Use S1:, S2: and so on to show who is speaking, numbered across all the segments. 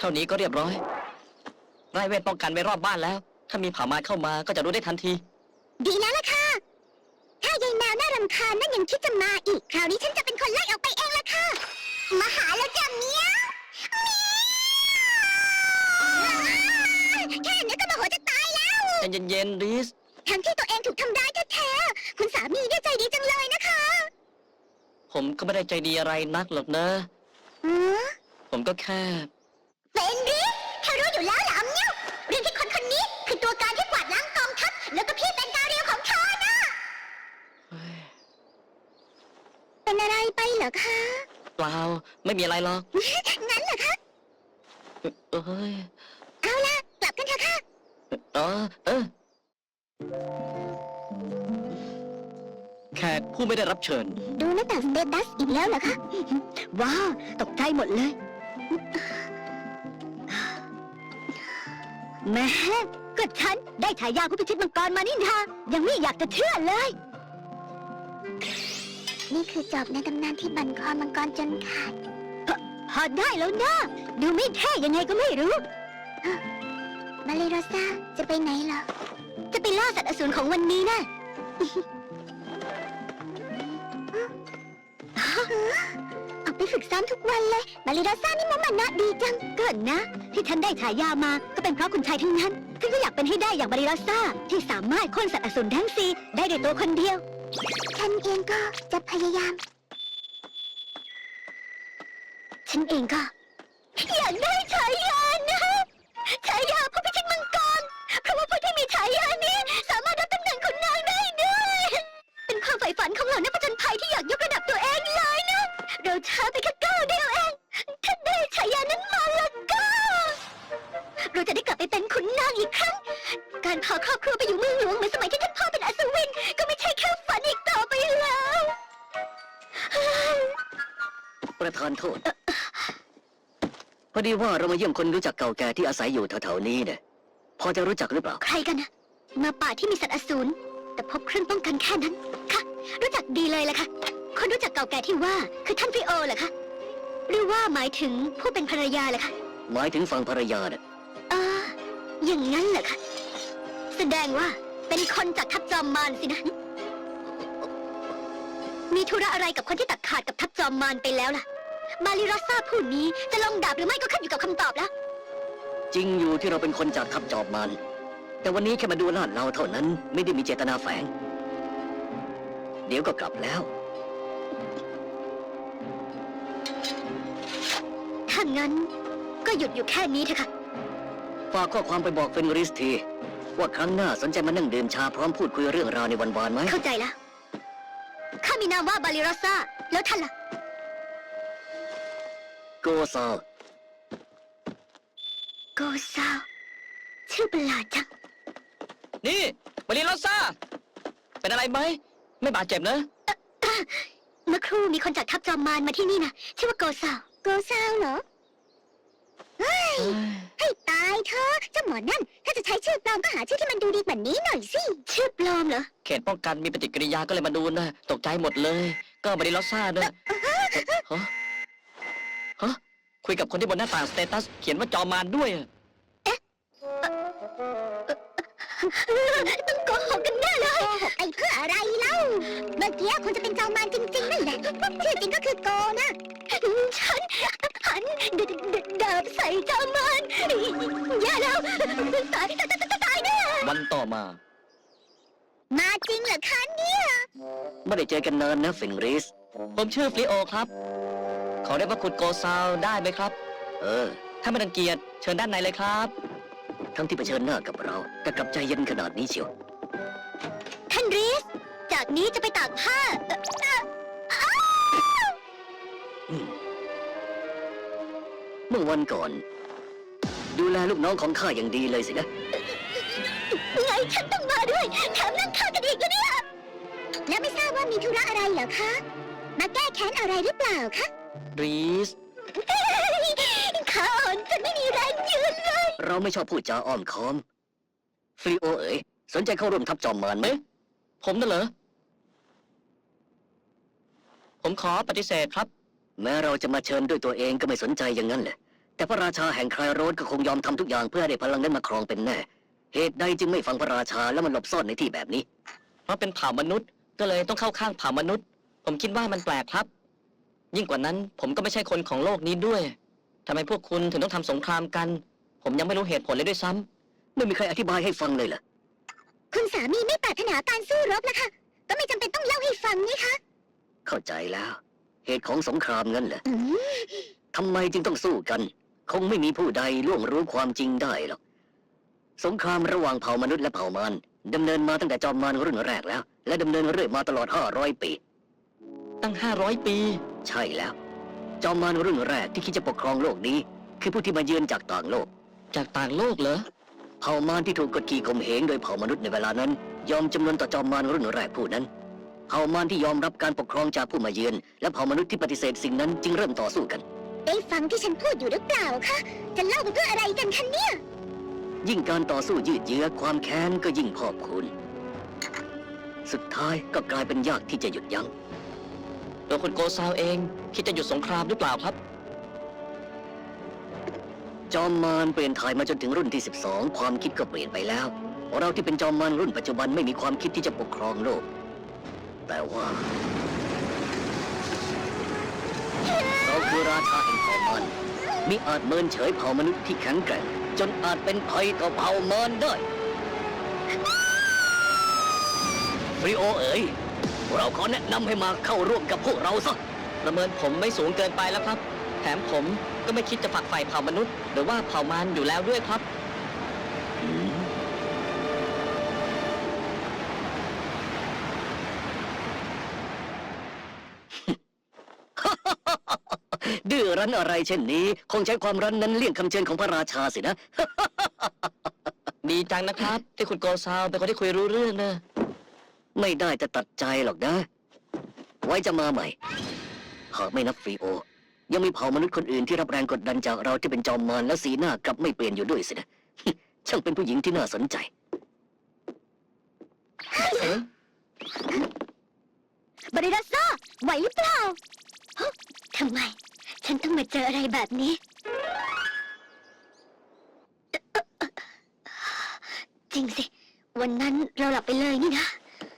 S1: ท่านี้ก็เรียบร้อยไร้เวทป้องกันไว้รอบบ้านแล้ว ถ้ามีเผ่ามารเข้ามาก็จะรู้ได้ทันที
S2: ดีแล้วล่ะค่ะถ้ายายแมวน่ารำคาญนั่นยังคิดจะมาอีกคราวนี้ฉันจะเป็นคนไล่ออกไปเองล่ะค่ะมาหาแล้วจ้ะเมียแค่นี้ก็โมโหจะตายแล้ว
S1: ใจเย็นๆริส
S2: ทั้งที่ตัวเองถูกทำร้ายแท้ๆคุณสามีเนี่ยใจดีจังเลยนะคะ
S1: ผมก็ไม่ได้ใจดีอะไรนักหรอกนะผมก็แค่
S2: เป็นริสเธอรู้อยู่แล้วเหรอเนี่ยเรื่องที่คนคนนี้คือตัวการที่กวาดล้างกองทัพแล้วก็พี่เป็นกาเรียวของเธอนะเป็นอะไรไปเหรอคะ
S1: เปล่าไม่มีอะไรหรอก
S2: งั้นเหรอคะเอาล่ะกลับกันเถอะค่ะ
S1: แขกผู้ไม่ได้รับเชิญ
S2: ดูหน้าต่างสเตตัสอีกแล้วเหรอคะว้าวตกใจหมดเลยแม่ก็ฉันได้ฉายาผู้พิชิตมังกรมานี่นายังไม่อยากจะเชื่อเลยนี่คือจอบในตำนานที่บั่นคอมังกรจนขาดพอได้แล้วนะดูไม่แท้ยังไงก็ไม่รู้มาเลโรซาจะไปไหนเหรอจะไปล่าสัตว์อสูรของวันนี้นะออกไปฝึกซ้อมทุกวันเลยมาเลโรซานี่มุมันนะดีจังเกินนะที่ฉันได้ฉายามาก็เป็นเพราะคุณชายทั้งนั้นฉันก็อยากเป็นให้ได้อย่างมาเลโรซาที่สามารถโค่นสัตว์อสูรทั้งสี่ได้ด้วยตัวคนเดียวฉันเองก็จะพยายามฉันเองก็อยากได้ฉายานะฉายาผู้พิชิตมังกรเพราะว่าผู้ที่มีฉายานี้สามารถรับตำแหน่งขุนนางได้ด้วยเป็นความใฝ่ฝันของเหล่านักผจญภัยที่อยากยกระดับตัวเองเลยนะเราช้าไปแค่ก้าวเดียวเองถ้าได้ฉายานั้นมาแล้วก็เราจะได้กลับไปเป็นขุนนางอีกครั้งการพาครอบครัวไปอยู่เมืองหลวงเหมือนสมัยที่ท่านพ่อเป็นอัศวินก็ไม่ใช่แค่ฝันอีกต่อไปแล้ว
S1: ประธานโทษพอดีว่าเรามาเยี่ยมคนรู้จักเก่าแก่ที่อาศัยอยู่แถวๆนี้เนี่ยพอจะรู้จักหรือเปล่า
S2: ใครกันนะมาป่าที่มีสัตว์อสูรแต่พบเครื่องป้องกันแค่นั้นค่ะรู้จักดีเลยล่ะค่ะคนรู้จักเก่าแก่ที่ว่าคือท่านฟิโอเหรอคะหรือว่าหมายถึงผู้เป็นภรรยาเหรอคะ
S1: หมายถึงฝั่งภรรยาเนี่ย
S2: อย่างนั้นเหรอคะแสดงว่าเป็นคนจากทัพจอมมารสินะมีธุระอะไรกับคนที่ตัดขาดกับทัพจอมมารไปแล้วล่ะมาริรัสซาผู้นี้จะลงดาบหรือไม่ก็ขึ้นอยู่กับคำตอบแล้ว
S1: จริงอยู่ที่เราเป็นคนจากทัพจอมมารแต่วันนี้แค่มาดูลาดเราเท่านั้นไม่ได้มีเจตนาแฝงเดี๋ยวก็กลับแล้ว
S2: ถ้างั้นก็หยุดอยู่แค่นี้เถอะค่ะ
S1: ฝากข้อความไปบอกเฟนริสทีว่าครั้งหน้าสนใจมานั่งดื่มชาพร้อมพูดคุยเรื่องราวในวันวานไหม
S2: เข้าใจแล้วข้ามีนามว่าบาลิรัสซาแล้วท่านล่ะ
S1: โกซา
S2: ชื่อประหลาดจัง
S1: นี่บาลิรัสซาเป็นอะไรไหมไม่บาดเจ็บนะ
S2: เมื่อครู่มีคนจากทัพจอมมารมาที่นี่นะชื่อว่าโกซาวเหรอให้ตายเธอเจ้าหมอนั่นถ้าจะใช้ชื่อปลอมก็หาชื่อที่มันดูดีกว่านี้หน่อยสิชื่อปลอมเหรอ
S1: เขตป้องกันมีปฏิกิริยาก็เลยมาดูนะตกใจหมดเลยก็บาลิรัสซาด้วยฮะคุยกับคนที่บนหน้าต่างสเตตัสเขียนว่าจอมมารด้วย
S2: ต้องโกหกกันแน่เลยโกหกไอ้เพื่ออะไรเล่าเมื่อกี้คนจะเป็นจอมมารจริงๆนั่นแหละชื่อจริงก็คือโกนะฉันหันดาบใส่จอมมารอย่าแล้วตายแน่
S1: วันต่อมา
S2: จริงเหรอคะเนี่ย
S1: ไม่ได้เจอกันนานนะฟินริสผมชื่อฟลิโอครับขอเรียกว่าคุณโกซาวได้ไหมครับถ้าไม่รังเกียจเชิญด้านในเลยครับทั้งที่เผชิญหน้ากับเราแต่กลับใจเย็นขนาดนี้เชียว
S2: ท่านริสจากนี้จะไปตากผ้า
S1: เมื่อวันก่อนดูแลลูกน้องของข้าอย่างดีเลยสินะ
S2: ไงฉันต้องมาด้วยแถมนั่งข้ากันอีกแล้วเนี่ยแล้วไม่ทราบว่ามีธุระอะไรเหรอคะมาแก้แค้นอะไรหรือเปล่าคะ
S1: ริส
S2: ข้าอ่อนจนไม่มีแรงยืนเลย
S1: เราไม่ชอบพูดจาอ้อมค้อมฟรีโอเอ๋ยสนใจเข้าร่วมทัพจอมมารไหมผมน่ะเหรอผมขอปฏิเสธครับแม้เราจะมาเชิญด้วยตัวเองก็ไม่สนใจอย่างนั้นแหละแต่พระราชาแห่งไครโรสก็คงยอมทำทุกอย่างเพื่อให้ได้พลังนั้นมาครองเป็นแน่ เหตุใดจึงไม่ฟังพระราชาแล้วมันหลบซ่อนในที่แบบนี้ เพราะเป็นเผ่ามนุษย์ก็เลยต้องเข้าข้างเผ่ามนุษย์ ผมคิดว่ามันแปลกครับ ยิ่งกว่านั้นผมก็ไม่ใช่คนของโลกนี้ด้วยทำไมพวกคุณถึงต้องทำสงครามกัน ผมยังไม่รู้เหตุผลเลยด้วยซ้ำไม่มีใครอธิบายให้ฟังเลยเหรอ
S2: คุณสามีไม่ปรารถนาการสู้รบนะคะ ก็ไม่จำเป็นต้องเล่าให้ฟังนี่คะ
S1: เข้าใจแล้ว เหตุของสงครามงั้นเหรอ
S2: อืม
S1: ทำไมจึงต้องสู้กัน คงไม่มีผู้ใดล่วงรู้ความจริงได้หรอก สงครามระหว่างเผ่ามนุษย์และเผ่ามารดำเนินมาตั้งแต่จอมมารรุ่นแรกแล้ว และดำเนินเรื่อยมาตลอด500 ปี ตั้ง500 ปี ใช่แล้ว จอมมารรุ่นแรกที่คิดจะปกครองโลกนี้ คือผู้ที่มาเยือนจากต่างโลก จากต่างโลกเหรอ เผ่ามารที่ถูกกดขี่ข่มเหงโดยเผ่ามนุษย์ในเวลานั้น ยอมจำนนต่อจอมมารรุ่นแรกผู้นั้น เผ่ามารที่ยอมรับการปกครองจากผู้มาเยือน และเผ่ามนุษย์ที่ปฏิเสธสิ่งนั้นจึงเริ่มต่อสู้กัน
S2: ได้ฟังที่ฉันพูดอยู่หรือเปล่าคะ จะเล่าไปเพื่ออะไรกันคะเนี่ย
S1: ยิ่งการต่อสู้ยืดเยื้อความแค้นก็ยิ่งพอกพูนสุดท้ายก็กลายเป็นยากที่จะหยุดยั้งตัวคุณโกซาวเองคิดจะหยุดสงครามหรือเปล่าครับ จอมมารเปลี่ยนถ่ายมาจนถึงรุ่นที่ 12 ความคิดก็เปลี่ยนไปแล้วเราที่เป็นจอมมารรุ่นปัจจุบันไม่มีความคิดที่จะปกครองโลก แต่ว่าเราคือราชาแห่งเผ่ามารมิอาจเมินเฉยเผ่ามนุษย์ที่แข็งแกร่งจนอาจเป็นภัยต่อเผ่ามารได้ฟริโอเอ๋ยเราขอแนะนำให้มาเข้าร่วมกับพวกเราซะประเมินผมไม่สูงเกินไปแล้วครับ แถมผมก็ไม่คิดจะฝักใฝ่เผ่ามนุษย์หรือว่าเผ่ามารอยู่แล้วด้วยครับ ดื้อรั้นอะไรเช่นนี้คงใช้ความรั้นนั้นเลี่ยงคำเชิญของพระราชาสินะ ดีจังนะครับ ที่คุณโกซาวเป็นคนที่คุยรู้เรื่องนะ ไม่ได้จะตัดใจหรอกนะ ไว้จะมาใหม่ หากไม่นับฟรีโอ ยังมีเผ่ามนุษย์คนอื่นที่รับแรงกดดันจากเราที่เป็นจอมมารและสีหน้ากลับไม่เปลี่ยนอยู่ด้วยสินะ ช่างเป็นผู้หญิงที่น่าสนใจ
S2: บริรัสซ่าไหวหรือเปล่าฮะทำไม ฉันต้องมาเจออะไรแบบนี้ จริงสิ วันนั้นเราหลับไปเลยนี่นะ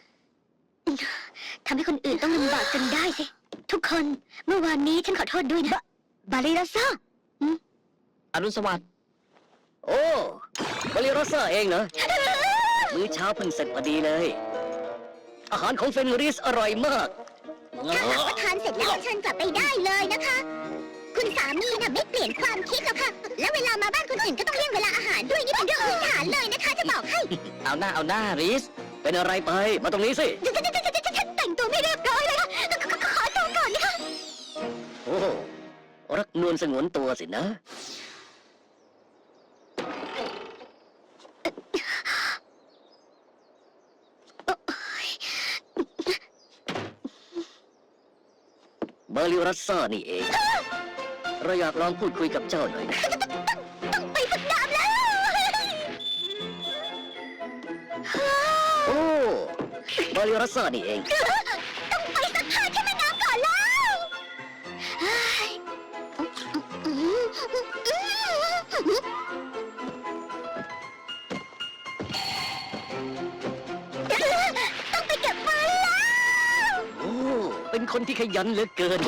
S2: ทำให้คนอื่นต้องลำบากจนได้สิ ทุกคนเมื่อวานนี้ฉันขอโทษด้วยนะบาริรัสซ่า
S1: อรุณสวัสดิ์ โอ้บริโรซ่าเองเหรอ มื้อเช้าเพิ่งเสร็จพอดีเลย อาหารของเฟนริสอร่อยมาก
S2: ถ้าหากว่าทานเสร็จแล้วเชิญกลับไปได้เลยนะคะ คุณสามีน่ะไม่เปลี่ยนความคิดหรอกค่ะ และเวลามาบ้านคนอื่นก็ต้องเลี่ยงเวลาอาหารด้วยนี่เป็นเรื่องพื้นฐานเลยนะคะจะบอกให้
S1: เอาหน้าริส เป็นอะไรไป มาตรงนี้สิ
S2: ฉันแต่งตัวไม่เรียบร้อยเลยค่ะขอตัวก่อนนะคะ
S1: โอ้รักนวลสงวนตัวสินะ บาริรัสซ่านี่เอง เราอยากลองพูดคุยกับเจ้าหน่อยนะ
S2: ต้องไปฝึกดาบแล้ว
S1: โอ้บาริรัสซ่านี่เอง
S2: ต้องไปสักผ้าที่แม่น้ำก่อนแล้วต้องไปเก็บมาแล้ว
S1: โอ้ เป็นคนที่ขยันเหลือเกิน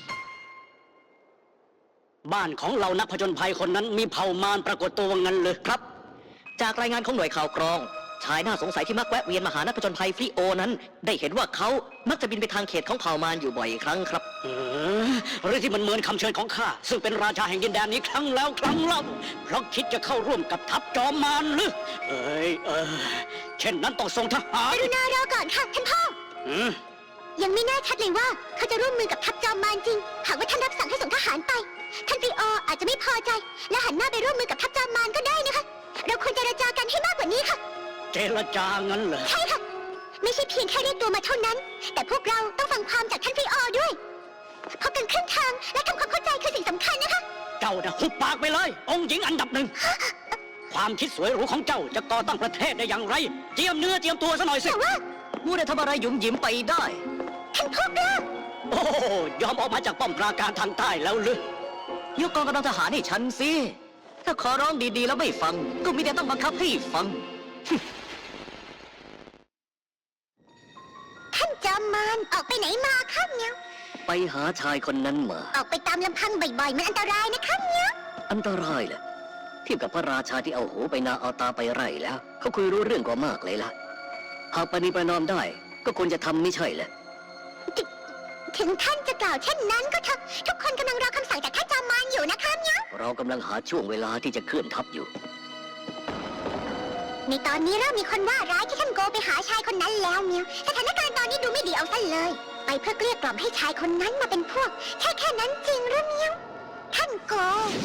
S1: บ้านของเรานักผจญภัยคนนั้นมีเผ่ามารปรากฏตัวงั้นเลยครับ จากรายงานของหน่วยข่าวกรอง ชายน่าสงสัยที่มักแวะเวียนมาหานักผจญภัยฟริโอนั้น ได้เห็นว่าเขามักจะบินไปทางเขตของเผ่ามารอยู่บ่อยครั้งครับเรื่องที่มันเหมือนคำเชิญของข้าซึ่งเป็นราชาแห่งดินแดนนี้ครั้งแล้วครั้งเล่าเพราะคิดจะเข้าร่วมกับทัพจอมมารหรือเช่นนั้นต้องส่งทหาร
S2: กรุณารอก่อนค่ะท่านพ่อ ยังไม่แน่ชัดเลยว่าเขาจะร่วมมือกับทัพจอมมารจริง หากว่าท่านรับสั่งให้ส่งทหารไป ท่านฟรีโออาจจะไม่พอใจ และหันหน้าไปร่วมมือกับทัพจอมมารก็ได้นะคะ เราควรเจรจากันให้มากกว่านี้ค่ะ
S1: เจรจางั้นเหรอ
S2: ใช่ค่ะ ไม่ใช่เพียงแค่เรียกตัวมาเท่านั้น แต่พวกเราต้องฟังความจากท่านฟรีโอด้วยพบกันครึ่งทางและทำความเข้าใจคือสิ่งสำคัญนะคะ
S1: เจ้าน่ะหุบปากไปเลย องค์หญิงอันดับหนึ่ง ความคิดสวยหรูของเจ้าจะก่อตั้งประเทศได้อย่างไร เจียมเนื้อเจียมตัวซะหน่อยสิ
S2: แต่ว่า
S1: มูได้ทำอะไรหยุ่มหยิมไปได้
S2: ท่านพ่อกล้า
S1: โอ้ยอมออกมาจากป้อมปราการทางใต้แล้วหรือยกกองกำลังทหารให้ฉันสิ ถ้าขอร้องดีๆแล้วไม่ฟัง ก็มีแต่ต้องบังคับให้ฟัง
S2: ท่านจอมมารออกไปไหนมาครับเนี่ย
S1: ไปหาชายคนนั้นมา
S2: ออกไปตามลำพังบ่อยๆมันอันตรายนะครับเนี่ย
S1: อันตรายแหละเทียบกับพระราชาที่เอาหูไปนาเอาตาไปไร่แล้ว เขาคุยรู้เรื่องกว่ามากเลยล่ะ หากปณีประนอมได้ ก็ควรจะทำไม่ใช่เหรอ
S2: ถึงท่านจะกล่าวเช่นนั้นก็เถอะทุกคนกำลังรอคำสั่งจากท่านจอมมารอยู่นะครับเนี่ย
S1: เรากำลังหาช่วงเวลาที่จะเคลื่อนทัพอยู่
S2: ในตอนนี้เริ่มมีคนว่าร้ายที่ท่านโกไปหาชายคนนั้นแล้วเนี่ยสถานการณ์ตอนนี้ดูไม่ดีเอาซะเลย ไปเพื่อเกลี้ยกล่อมให้ชายคนนั้นมาเป็นพวกแค่นั้นจริงหรือเนี่ยท่านโก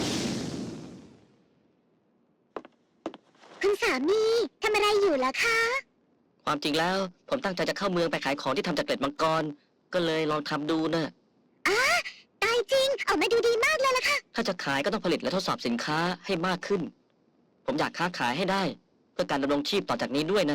S2: คุณสามีทำอะไรอยู่ล่ะคะ
S1: ความจริงแล้ว ผมตั้งใจจะเข้าเมืองไปขายของที่ทำจากเกล็ดมังกร ก็เลยลองทำดูนะ
S2: ตายจริงออกมาดูดีมากเลยล่ะค่ะ
S1: ถ้าจะขายก็ต้องผลิตและทดสอบสินค้าให้มากขึ้น ผมอยากค้าขายให้ได้ เพื่อการดำรงชีพต่อจากนี้ด้วยนะ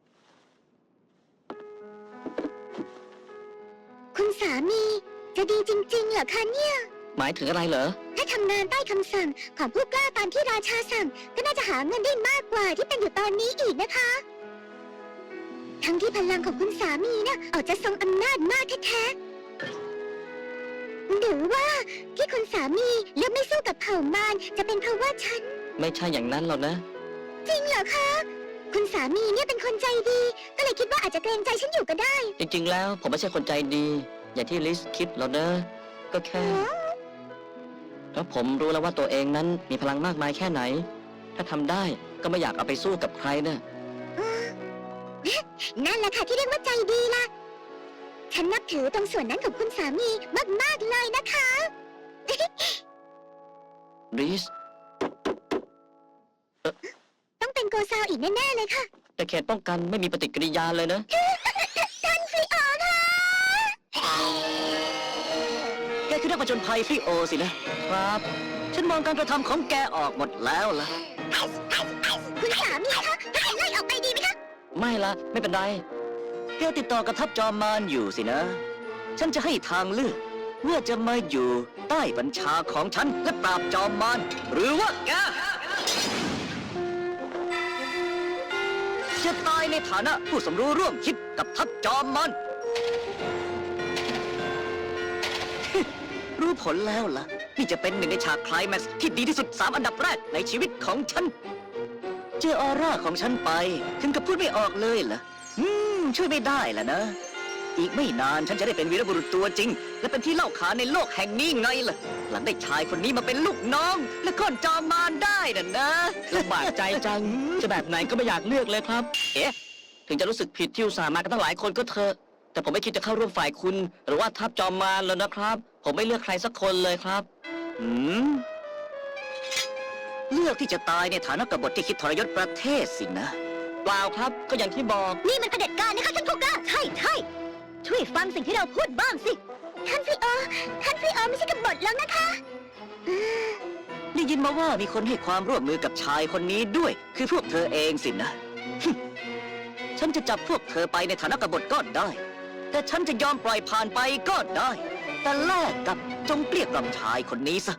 S2: คุณสามีจะดีจริงๆเหรอคะเนี่ย
S1: หมายถึงอะไรเหรอ
S2: ถ้าทำงานใต้คำสั่งของผู้กล้าตามที่ราชาสั่ง ก็น่าจะหาเงินได้มากกว่าที่เป็นอยู่ตอนนี้อีกนะคะ ทั้งที่พลังของคุณสามีนะออกจะทรงอำนาจมากแท้ๆหรือว่าที่คุณสามีเลือกไม่สู้กับเผ่ามารจะเป็นเพราะว่าฉัน
S1: ไม่ใช่อย่างนั้นหรอกนะ
S2: จริงเหรอคะ คุณสามีเนี่ยเป็นคนใจดี ก็เลยคิดว่าอาจจะเกรงใจฉันอยู่ก็ได้
S1: จริงๆ แล้วผมไม่ใช่คนใจดี อย่างที่ลิสคิดหรอกนะ ก็แค่แล้วผมรู้แล้วว่าตัวเองนั้นมีพลังมากมายแค่ไหน ถ้าทำได้ก็ไม่อยากเอาไปสู้กับใครนะ
S2: นั่นแหละค่ะที่เรียกว่าใจดีล่ะ ฉันนับถือตรงส่วนนั้นของคุณสามีมากๆเลยนะคะ
S1: ลิส
S2: ต้องเป็นโกซาวอีกแน่ๆเลยค่ะ
S1: แต่เขตป้องกันไม่มีปฏิกิริยาเลยนะ
S2: ท่านฟรีโอค่ะ
S1: แกคือนักผจญภัยฟรีโอสินะ ครับ ฉันมองการกระทำของแกออกหมดแล้วล่ะ
S2: คุณสามีคะถ้าไล่ออกไปดีไหมคะ
S1: ไม่ละไม่เป็นไร แกติดต่อกับทัพจอมมารอยู่สินะ ฉันจะให้ทางเลือกว่าจะมาอยู่ใต้บัญชาของฉันและปราบจอมมารหรือว่าแกจะตายในฐานะผู้สมรู้ร่วมคิดกับทัพจอมมาร รู้ผลแล้วล่ะ นี่จะเป็นหนึ่งในฉากไคลแม็กซ์ที่ดีที่สุด3 อันดับแรกในชีวิตของฉัน เจอออร่าของฉันไป ถึงกับพูดไม่ออกเลยเหรอช่วยไม่ได้ล่ะนะ อีกไม่นานฉันจะได้เป็นวีรบุรุษตัวจริง และเป็นที่เล่าขานในโลกแห่งนี้ไงล่ะ หลังได้ชายคนนี้มาเป็นลูกน้อง และก้อนจอมมารได้น่ะนะลำบากใจจัง จะแบบไหนก็ไม่อยากเลือกเลยครับ เอ๊ะ ถึงจะรู้สึกผิดที่อุตส่าห์มากันตั้งหลายคนก็เถอะ แต่ผมไม่คิดจะเข้าร่วมฝ่ายคุณ หรือว่าทัพจอมมารแล้วนะครับ ผมไม่เลือกใครสักคนเลยครับเลือกที่จะตายในฐานะกบฏที่คิดทรยศประเทศสินะ เปล่าครับ ก็อย่างที่บอก
S2: นี่มันเผด็จการนะคะท่านผู้กล้าใช่ช่วยฟังสิ่งที่เราพูดบ้างสิ ท่านฟรีโอไม่ใช่กบฏแล้วนะคะ
S1: ได้ยินมาว่ามีคนให้ความร่วมมือกับชายคนนี้ด้วย คือพวกเธอเองสินะ ฉันจะจับพวกเธอไปในฐานะกบฏก็ได้ แต่ฉันจะยอมปล่อยผ่านไปก็ได้ แต่แลกกับจงเกลี้ยกล่อมชายคนนี้ซะ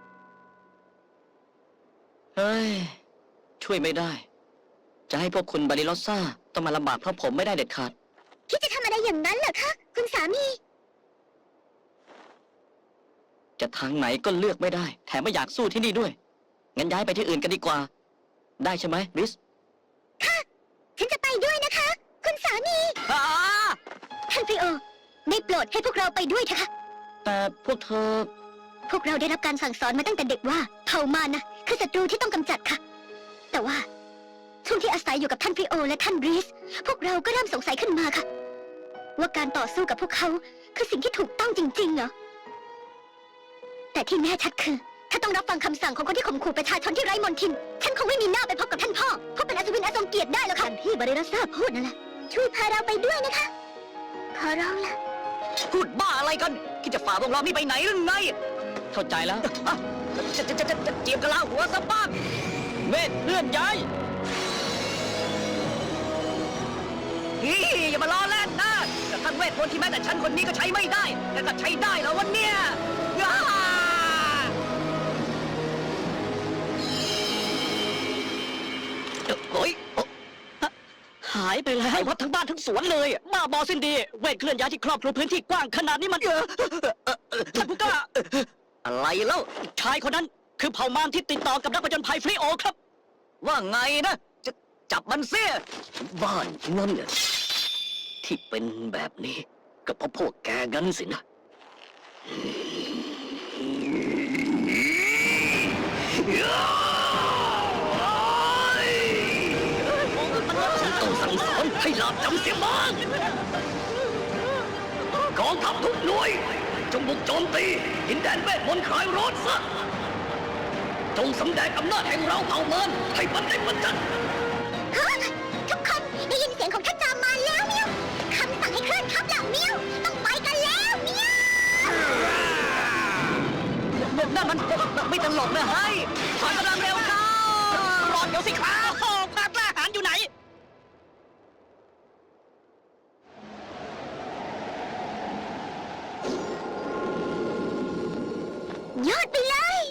S1: เฮ้ย ช่วยไม่ได้ จะให้พวกคุณบาริลอสซ่าต้องมาลำบากเพราะผมไม่ได้เด็ดขาด
S2: คิดจะทำอะไรอย่างนั้นเหรอคะ คุณสามี
S1: จะทางไหนก็เลือกไม่ได้ แถมไม่อยากสู้ที่นี่ด้วย งั้นย้ายไปที่อื่นกันดีกว่า ได้ใช่ไหมริส
S2: ฉันจะไปด้วยนะคะ คุณสามี
S1: อ่า
S2: ท่านฟรีโอได้โปรดให้พวกเราไปด้วยเถอะค่ะ
S1: แต่พวกเธอ
S2: พวกเราได้รับการสั่งสอนมาตั้งแต่เด็กว่าเผ่ามารนะคือศัตรูที่ต้องกำจัดค่ะ แต่ว่าช่วงที่อาศัยอยู่กับท่านฟรีโอและท่านบรีสพวกเราก็เริ่มสงสัยขึ้นมาค่ะ ว่าการต่อสู้กับพวกเขาคือสิ่งที่ถูกต้องจริงๆเหรอ แต่ที่แน่ชัดคือ ถ้าต้องรับฟังคำสั่งของคนที่ข่มขู่ประชาชนที่ไร้มนทิน ฉันคงไม่มีหน้าไปพบกับท่านพ่อเพราะเป็นอัศวินอันทรงเกียรติได้แล้วค่ะที่บริรัสซาพูดนั่นแหละช่วยพาเราไปด้วยนะคะ ขอร้องละ
S1: พูดบ้าอะไรกันคิดจะฝ่าวงล้อมนี้ไปไหนหรือไง เข้าใจแล้วจะเจียมกะลาหัวซะบ้างเมธเลื่อนย้ายอย่ามาล้อเล่นนะแต่ท่านเวทมนต์ที่แม้แต่ฉันคนนี้ก็ใช้ไม่ได้ แต่ก็ใช้ได้แล้ววันเนี้ยสวนเลยบ้าบอสิ้นดีเวทเคลื่อนย้ายที่ครอบคลุมพื้นที่กว้างขนาดนี้มันท่านผู้กล้าอะไรแล้วชายคนนั้นคือเผ่ามารที่ติดต่อกับนักผจญภัยฟรีโอครับ ว่าไงนะจะจับมันเสียบ้านนั่นเนี่ยที่เป็นแบบนี้ก็เพราะพวกแกกันสินะฉันต้องสั่งสอนให้หลาบจำเสียบ้างกองทัพทุกหน่วยจงบุกโจมตีดินแดนเวทมนต์คลายร้อนซะจงสำแดงอำนาจแห่งเราเผ่ามารให้มันได้ประจัน
S2: ฮะทุกคนได้ยินเสียงของท่านจอมมารแล้วเมียวคำสั่งให้เคลื่อนทัพเหล่าเมียวต้องไปกันแล้วเมียว
S1: นั่นมันไม่ตลกนะเฮ้ยถอยกำลังเร็วเข้ารอเดี๋ยวสิครับความกล้าหาญอยู่ไหน
S2: ยอดไปเลย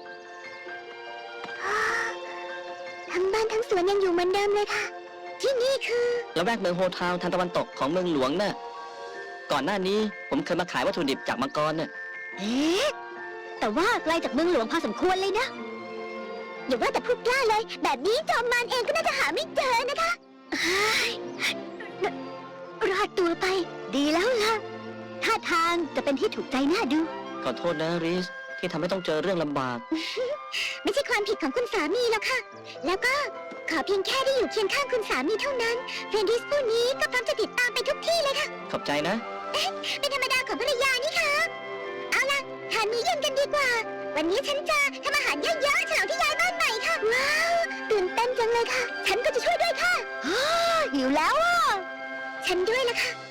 S2: ทั้งบ้านทั้งสวนยังอยู่เหมือนเดิมเลยค่ะ ที่นี่คือ
S1: แล้วแวกเมืองโฮทาวน์ทางตะวันตกของเมืองหลวงน่ะ ก่อนหน้านี้ผมเคยมาขายวัตถุดิบจากมังกรน่ะ
S2: เอ๊ะแต่ว่าไกลจากเมืองหลวงพอสมควรเลยนะอย่าว่าแต่พูดกล้าเลย แบบนี้จอมมารเองก็น่าจะหาไม่เจอนะคะเฮ้ยรอดตัวไป ดีแล้วล่ะท่าทางจะเป็นที่ถูกใจน่าดู
S1: ขอโทษนะริสที่ทำให้ต้องเจอเรื่องลำบาก
S2: ไม่ใช่ความผิดของคุณสามีหรอกค่ะ แล้วก็ขอเพียงแค่ได้อยู่เคียงข้างคุณสามีเท่านั้นเฟรนดิสผู้นี้ก็พร้อมจะติดตามไปทุกที่เลยค่ะ
S1: ขอบใจนะ
S2: เป็นธรรมดาของภรรยานี่ค่ะ เอาล่ะทานมื้อเย็นกันดีกว่า วันนี้ฉันจะทำอาหารเยอะๆฉลองที่ย้ายบ้านใหม่ค่ะ ว้าว ตื่นเต้นจังเลยค่ะ ฉันก็จะช่วยด้วยค่ะหิวแล้วอ่ะ ฉันด้วยละค่ะ